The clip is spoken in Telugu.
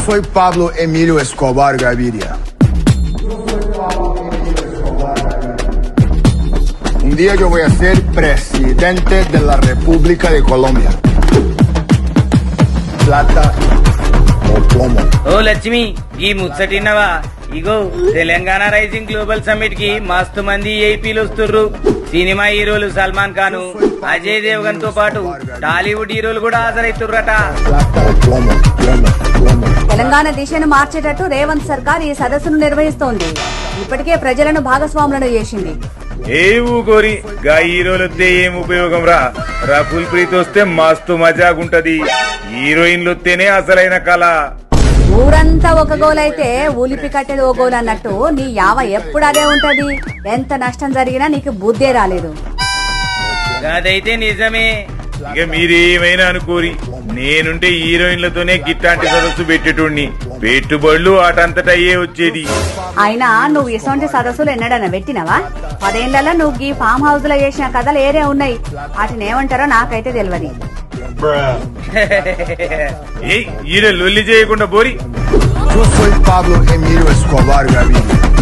soy Pablo Emilio Escobar Gaviria. Un día yo voy a ser presidente de la República de Colombia. Plata o plomo. ఓ లక్ష్మి ఈ ముచ్చటిన్నవా ఇగో తెలంగాణ రైజింగ్ గ్లోబల్ సమ్మిట్ కి మస్తు మంది ఏపీలు వస్తుర్రు. సినిమా హీరోలు సల్మాన్ ఖాన్, అజయ్ దేవగన్ తో పాటు టాలీవుడ్ హీరోలు కూడా హాజరైతుర్రట. Plata o plomo. తెలంగాణ దిశను మార్చేటట్టు రేవంత్ సర్కార్ ఈ సదస్సును నిర్వహిస్తోంది. ఇప్పటికే ప్రజలను భాగస్వాములను చేసింది. ఏ ఊకోరి గా హీరోలొత్తే ఏం ఉపయోగం రా. రకుల్ ప్రీత్ వస్తే మస్తు మజాగుంటది. హీరోయిన్లు వస్తేనే అసలైన కళ. ఊరంతా ఒక గోల్ అయితే ఊలిపి కట్టేది ఓ గోల్ అన్నట్టు నీ యావ ఎప్పుడు అదే ఉంటది. ఎంత నష్టం జరిగినా నీకు బుద్ధే రాలేదు. అదైతే నిజమే. ఇక మీరేమైనా అనుకోరి, నేనుంటే హీరోయిన్లతోనే గిట్టాంటి సదస్సు పెట్టేటోడిని. పెట్టుబడులు అటంతట అయ్యే వచ్చేది. అయినా నువ్వు ఇసొంటి సదస్సులు ఎన్నడన్నా పెట్టినవా? 10 ఏళ్లలో నువ్వు ఈ ఫామ్ హౌస్ లో చేసిన కథలు ఏరే ఉన్నాయి. వాటిని ఏమంటారో నాకైతే తెలియదు. ఏ హీరో లొల్లి చేయకుండా పోరి. Yo soy Pablo Emilio Escobar Gaviria.